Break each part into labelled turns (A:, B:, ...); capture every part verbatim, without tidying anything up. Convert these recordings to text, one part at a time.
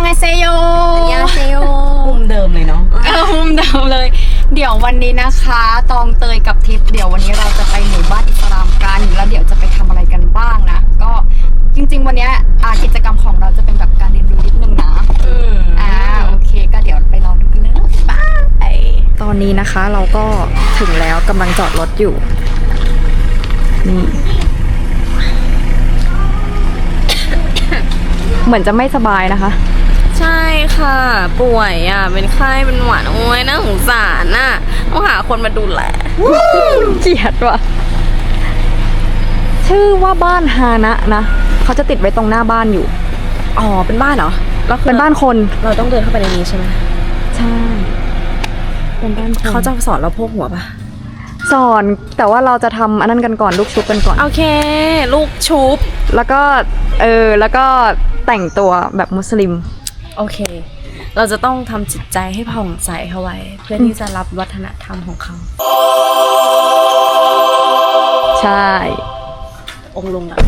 A: าเซโย
B: ยาเซโยมุมเดิมเลยเนาะ
A: เออมุมเดิมเลยเดี๋ยววันนี้นะคะตองเตยกับทิพย์เดี๋ยววันนี้เราจะไปหมู่บ้านอิสลามกันแล้วเดี๋ยวจะไปทำอะไรกันบ้างนะก็จริงๆวันนี้กิจกรรมของเราจะเป็นแบบการเรียนรู้นิดนึงนะอืมอ่าโอเคก็เดี๋ยวไปรอดูกันเลยนะบายตอนนี้นะคะเราก็ถึงแล้วกำลังจอดรถอยู่นี่เหมือนจะไม่สบายนะคะ
B: ใช่ค่ะป่วยอ่ะเป็นไข้เป็นหวัดโอ้ยน่าสงสารน่ะต้องหาคนมาดูแล
A: เจียดว่ะชื่อว่าบ้านฮานะนะเขาจะติดไว้ตรงหน้าบ้านอยู่
B: อ๋อเป็นบ้านเหรอ
A: เป็นบ้านคน
B: เราต้องเดินเข้าไปในนี้ใช่ไหม
A: ใช่เป็นบ้านคน
B: เขาจะสอนเราพกหัวปะ
A: สอนแต่ว่าเราจะทำอันนั้นกันก่อนลูกชุบกันก่อน
B: โอเคลูกชุบ
A: แล้วก็เออแล้วก็แต่งตัวแบบมุสลิม
B: โอเคเราจะต้องทำจิตใจให้ผ่องใสเข้าไว้เพื่อที่จะรับวัฒนธรรมของเขา
A: ใช่
B: องค์ลงอ่ะ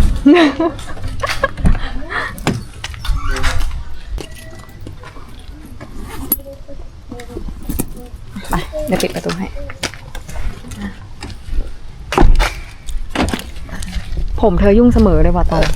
A: ไปเดี๋ยวปิดประตูให้ผมเธอยุ่งเสมอเลยว่ะตอน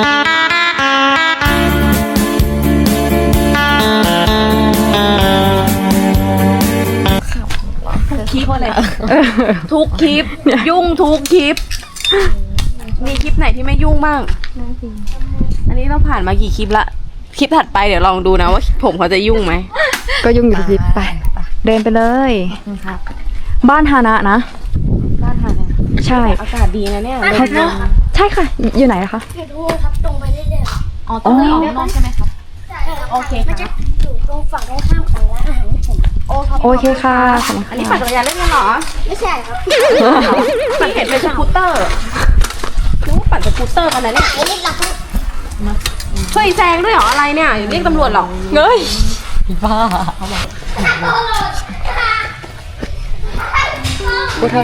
B: คลิปอะไรทุกคลิปยุ่งทุกคลิปมีคลิปไหนที่ไม่ยุ่งบ้างอันนี้เราผ่านมากี่คลิปละคลิปถัดไปเดี๋ยวลองดูนะว่าผมเขาจะยุ่งไหม
A: ก็ยุ่งอยู่ทุกคลิปไปเดินไปเลยบ้านฮานะนะ
B: บ้านฮานะ
A: ใช่
B: อากาศดีนะเนี่ย
A: ใช่ค่ะอยู่ไหนคะ
C: อยู่ตรงครับตรงไปเรื่อย
B: ๆอ๋อตรงนี้ออกนอกใช่ไหมครับโอเคค่ะ
C: อยู่ตรงฝั่งตรงข้ามของร้านอาหารญี่ปุ่น
A: โอเคค่ะ
B: อันนี้ปั่นจักรยานเล่นกันเหรอ
C: ไม่ใช่ครับ
B: ปั่นเห็นเป็นสกูตเตอร์นึกว่าปั่นสกูตเตอร์กันนะเนี่ย
C: ไม่หลับ
B: เฮ้ยแซงด้วยเหรออะไรเนี่ยเรียกตำรวจหรอ
A: เงยบ้าเขาบอกกูเธอ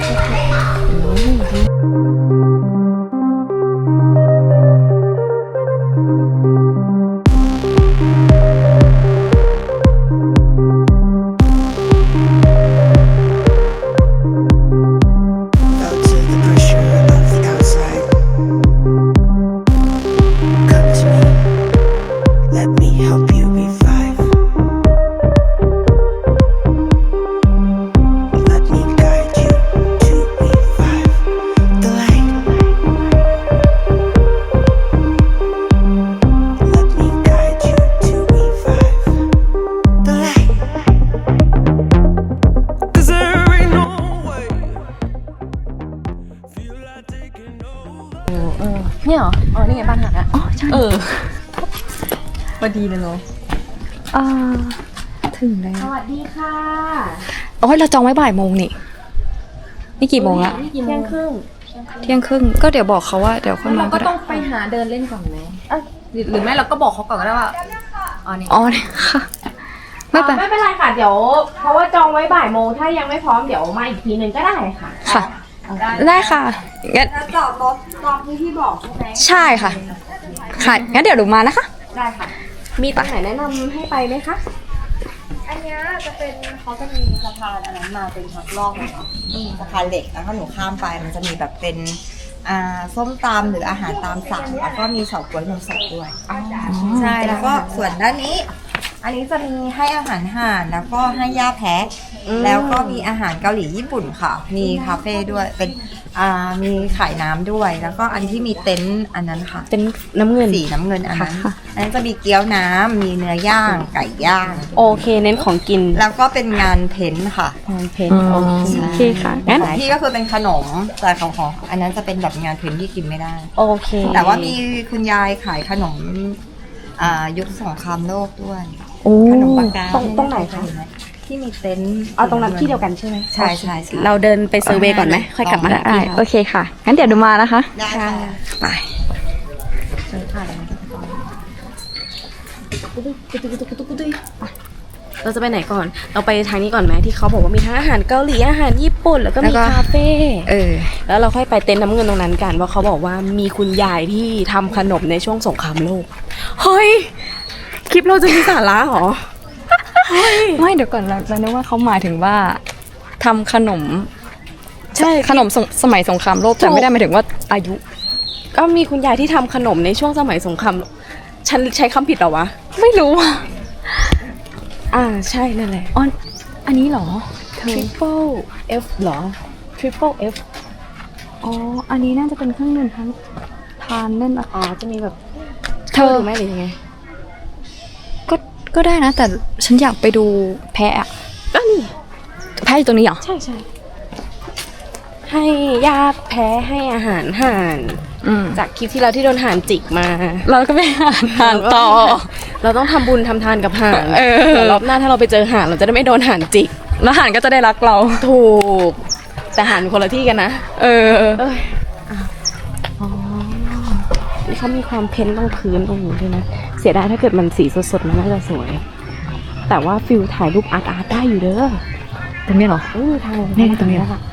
B: เนี่ยเหรออ๋อนี่ไงบ้านหักอ่ะ
A: อ๋อใช่
B: เออพอดีเลยเนาะ
A: อ่าถึงแล้ว
B: สวัสดีค่ะ
A: โอ้ยเราจองไว้บ่ายโมงนี่นี่กี่โมงละ
B: เที่ยงครึ่ง
A: เที่ยงครึ่งก็เดี๋ยวบอกเขาว่าเดี๋ยวค่อยมา
B: ก็ต้องไปหาเดินเล่นก่อนไหมหรือไม่เราก็บอกเขาก่อนก็ได้ว่าอ๋อนี่
A: อ๋อนี่ค่ะ
B: ไม่เป็นไม่เป็นไรค่ะเดี๋ยวเพราะว่าจองไว้บ่ายโมงถ้ายังไม่พร้อมเดี๋ยวมาอีกทีนึงก็ได้ค่ะ
A: ค่ะได้ค่ะงั้น
B: จอดรถตามที่ที่บอกใช่ไหม
A: ใช่ค่ะค่ะงั้นเดี๋ยวหนูมานะคะ
B: ได้ค่ะมีตรงไหนแนะนำให้ไปไหมคะ
C: อันนี้จะเป็นเขาจะมีสะพานอันนั้นมาเป็นทางลอดเลยเนาะสะพานเหล็กแล้วถ้าหนูข้ามไปมันจะมีแบบเป็นอ่าส้มตำหรืออาหารตามสั่งแล้วก็มีเฉาก๊วยนมสดด้วยใช่แล้วก็ส่วนด้านนี้อันนี้จะมีให้อาหารห่านแล้วก็ให้ย่าแพะแล้วก็มีอาหารเกาหลีญี่ปุ่นค่ะมีคาเฟ่ด้วยเป็นอ่ามีขายน้ำด้วยแล้วก็อันที่มีเต็นท์อันนั้นค่ะ
B: เต็นท์น้ำเงิน
C: สีน้ำเงินอันนั้นอันนั้นจะมีเกี๊ยวน้ำมีเนื้อย่างไก่ย่าง
B: โอเคเน้นของกิน
C: แล้วก็เป็นงานเพ้นท์ค่ะ
B: งานเพ้นท์โอเค
A: ค่ะงั้น
C: พี่ก็คือเป็นขนมแต่ของของอันนั้นจะเป็นแบบงานเพ้นท์ที่กินไม่ได้
B: โอเค
C: แต่ว่ามีคุณยายขายขนมอ่ายุคสงครามโลกด้วยขนมปากกา
B: ตรงตรงไหนคะ
C: ที่มีเต็นท์
B: เอาตรงนั้นที่เดียวกันใช่ไหม
C: ใช่ใช่
B: เราเดินไปเซอร์เวย์ก่อนไหมค่อยกลับมา
A: ได้โอเคค่ะงั้นเดี๋ยวดูมานะคะ
C: ได้ค่ะ
A: ไป
B: เดินผ่านอะไรเราจะไปไหนก่อนเราไปทางนี้ก่อนไหมที่เขาบอกว่ามีทั้งอาหารเกาหลีอาหารญี่ปุ่นแล้วก็มีคาเฟ่
A: เออ
B: แล้วเราค่อยไปเต็นท์น้ำเงินตรงนั้นกันเพราะเขาบอกว่ามีคุณยายที่ทำขนมในช่วงสงครามโลกเฮ้ยคลิปเราจะมีสาระเหรอ
A: ไม่เดี๋ยวก่อนเราเรานึกว่าเขาหมายถึงว่าทำขนม
B: ใช่
A: ขนมสงสมัยสงครามโลกแต่ไม่ได้หมายถึงว่าอายุ
B: ก็มีคุณยายที่ทำขนมในช่วงสมัยสงครามฉันใช้คำผิดเหรอวะ
A: ไม่รู้อ่ะ
B: อ่าใช่นั่นแหละ
A: อ๋ออันนี้เหรอเธอ
B: triple F เหรอ triple F
A: อ๋ออันนี้น่าจะเป็นเครื่องดื่มทั้งทานเล่นอะ
B: อ๋อจะมีแบบ
A: เธอ
B: หรือไม่หรือยังไง
A: ก็ก็ได้นะ แต่ฉันอยากไปดูแพะอะ
B: ก็นี่
A: แพะอยู่ตรงนี้เหรอ
B: ใช่ใช่ให้ญาติแพ้ให้อาหารห่าน
A: อืม
B: จากคลิปที่เราที่โดนห่านจิกมา
A: เราก็ไปหาทานต่อ
B: เราต้องทำบุญทำทานกับห่าน
A: เออ
B: เดี๋ยวรอบหน้าถ้าเราไปเจอห่านเราจะได้ไม่โดนห่านจิก
A: แล้วหานก็จะได้รักเรา
B: ถูก แต่ห่านคนละที่กันนะ
A: เออ
B: เอ้ยอ่ะอ๋อนี่เขามีความเพ้นท์ตรงพื้นตรงนี้ด้วยนะ เสียดายถ้าเกิดมันสีสดๆมันน่าจะสวย แต่ว่าฟิลถ่ายรูปอาร์ตอาร์ตได้อยู่เด้อ
A: ตรงนี้เหรอ
B: เออถ่าย
A: นี่ตรงนี้
B: ค่ะ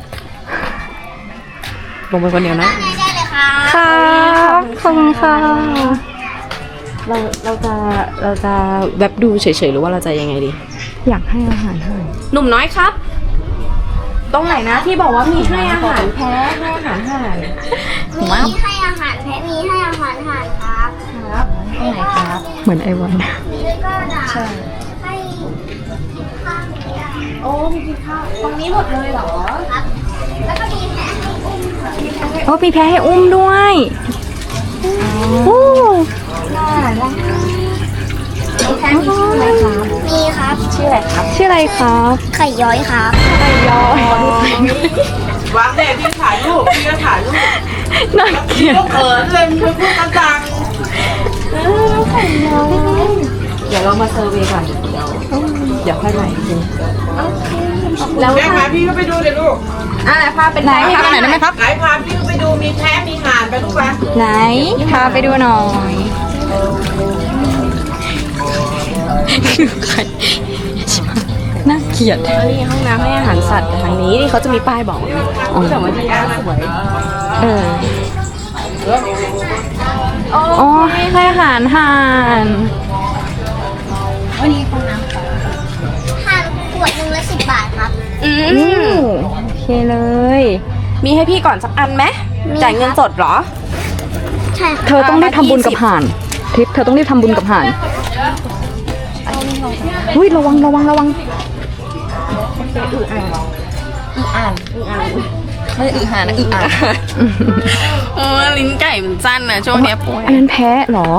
B: ลงไปคนเดียวนะ
A: ค่ะขอบคุณค่ะ
B: เราเราจะเราจะแวบดูเฉยๆหรือว่าเราจะยังไงดี
A: อยากให้อาหารให้
B: หนุ่มน้อยครับ ตรงไหนนะที่บอกว่ามีให้อาหารแพ้ให้อาหารห่าน
A: ผมว่า
D: มีให้อาหารแพะมีให้อาหารห่านครับ
B: ครับตรงไหนครับ
A: เหมือนไอวัน
D: มีด้วยก็ด่าให้ข้าว
B: โอ้มีกินข้าวตรงนี้หมดเลยเหรอ
D: ครับ แล้วก็มีแพะให้อุ้มค่ะ
A: โอ้มีแพะให้อุ้มด้วยโอ้
D: แพะมีชื่ออะไรครับ มีครับ
B: ชื่ออะไรครับ
A: ชื่ออะไรครับ
D: ไข่ย้อยครับ
A: ไก่ย้อยว
E: างเด็พี่ถ่ายรูปพี่ก็ถ่ายรูป
A: น่าเกลียด
E: ก็เขินเลยมึงพูดกันดัง
B: เดี๋ยวเรามาเซอร์เวย์ก่อนเดี๋ยวเดี๋ยวค่อยใหม่อีกที
E: แล้วแม่พาพี่ก็ไปดูเดี๋ยวลูก
B: อ่ะพาเป็น
A: ไหนพาไปไหนได้ไหมครับ
E: ไหนพาพี่ก็ไปดูมีแพะมีห่านไปลูกไป
A: ไหนพาไปดูหน่อยคือใครน่าเกลียด
B: นี่ห้องน้ำให้อาหารสัตว์แต่ทางนี้นี่เขาจะมีป้ายบอกนะแต่ว่าที่ร้านสวย
A: เออโอ้ให้อาหารห่าน
D: วันนี้ของน้ำห่านขวดหนึ่งละสิบบาทครับ
B: อื
A: อื
B: ม
A: มโอเคเลย
B: มีให้พี่ก่อนสักอันไหม
D: มี
B: จ่ายเงินสดเหรอ
D: ใช่ครับ
A: เธอต้องรีบทำบุญกับห่านทิพย์เธอต้องรีบทำบุญกับห่านอุ้ยระวังระวังระวัง ไม่อึห่านนะอึอ่าน
B: โอ้ลิ้นไก่มันสั้นนะช่วงเนี้ยป่วย
A: อันนั้นแพะเหรอ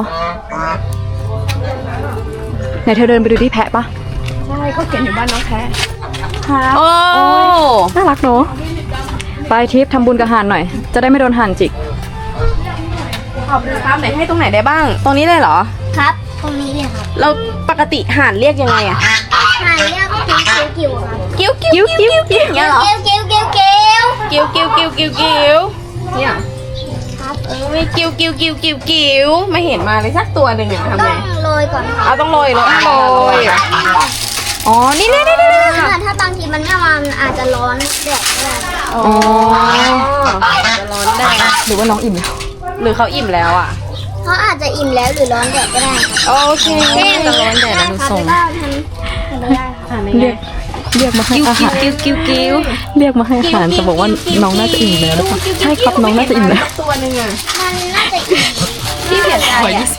A: ไหนเธอเดินไปดูที่แพะปะ
B: ใช่ก็เขียนอยู่บ้านน้องแพ้
A: ครับ
B: โอ้
A: น่ารักเนอะไปทิพย์ทำบุญกับห่านหน่อย จะได้ไม่โดนห่านจิก
B: ขอบคุณครับไหนให้ตรงไหนได้บ้าง ตรงนี้เลยเหรอ
D: ครับ ตรงนี้เลยครับ
B: เราปกติห่านเรียกยังไงอะ
D: ห่านเรียกกิ้วกิ้วกิ้วครับ
B: กิ้วกิ้วกิ้วกิ้วอย่างเงี้ยเหรอ
D: กิ้วกิ้วกิ้วกิ้ว
B: กิ้วกิ้วกิ้วกิ้วกิ้วเนี่ย
D: ครับ
B: เออไม่กิ้วกิ้วกิ้วกิ้วกิ้วไม่เห็นมาเลยสักตัวหนึ่งอะทำ
D: ต้
B: ไง
D: องโรยก่อนครับ
B: เอาต้องโรยเลยโรย
A: อ๋อ นี่นี่นี่นี่
D: ถ้าถ้าบางทีมันไม่มามันอาจจะร้อนแดดก็ได้
B: อ๋อจะร้อนแดด
A: หรือว่าน้องอิ่มแล้ว
B: หรือเขาอิ่มแล้วอ่ะ
D: เขาอาจจะอิ่มแล้วหรือร้อนแดดก็ได้ครับ
B: โอเคจะร้อนแดดแล้วดูทรง
D: ได้ครับแล้วก็ทำทำไม่ได้ครับ
B: อ่าน
A: เรียก เรียกมาให้อาหาร
B: กิ้วกิ้วกิ้ว
A: เรียกมาให้อาหารจะบอกว่าน้องน่าจะอิ่มแล้วหรือเปล่าใช่ครับน้องน่าจะอิ่มแล้ว
B: ตัวหนึ่งอ่ะ
D: มันน่าจะอิ่ม
B: ที่เสียใจอ่ะ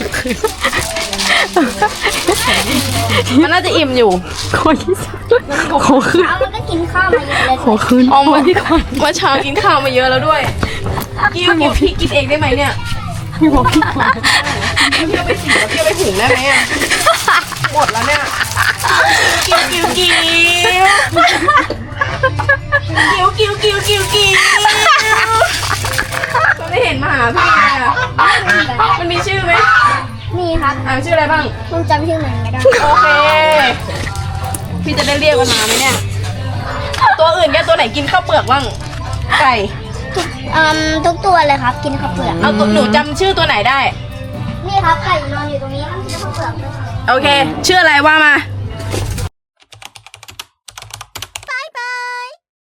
B: มันน่าจะอิ่มอยู่
A: ขอยี่สิบขอขึ้น
D: เอามันก็กินข้าวมาเยอะเลย
A: ขอขึ้น
B: เอามาที่ก่อนเมื่อเช้ากินข้าวมาเยอะแล้วด้วยกิ้วกิ้วพี่กินเองได้ไหมเนี่ย
A: พี่บอกพี่ก่อน
B: เพี่ยวไปสีแล้วเพี่ยวไปถุงได้ไหมอ่ะหมดแล้วเนี่ยกิ้วกิ้วกิ้วกิ้วกิ้วกิ้วกิ้วกิ้วก็ไม่เห็นมาหาพี่เลยอ่ะมันมีชื่อไหม
D: นี่ครับ
B: อ่านชื่ออะไรบ้าง
D: คุณจำชื่อมันไม่ได้
B: โอเค พี่จะได้เรียกมันมาไหมเนี่ย ตัวอื่นแกตัวไหนกินข้าวเปลือกบ้าง ไก่
D: ทุกอืมทุกตัวเลยครับ กินข้าวเปลือก
B: เอาตัวหนูจำชื่อตัวไหนได้
D: นี่ครับไก่นอนอยู่ตรงนี้มันกินข้าวเปลือกด้วยครับ
B: โอเค ชื่ออะไรว่ามา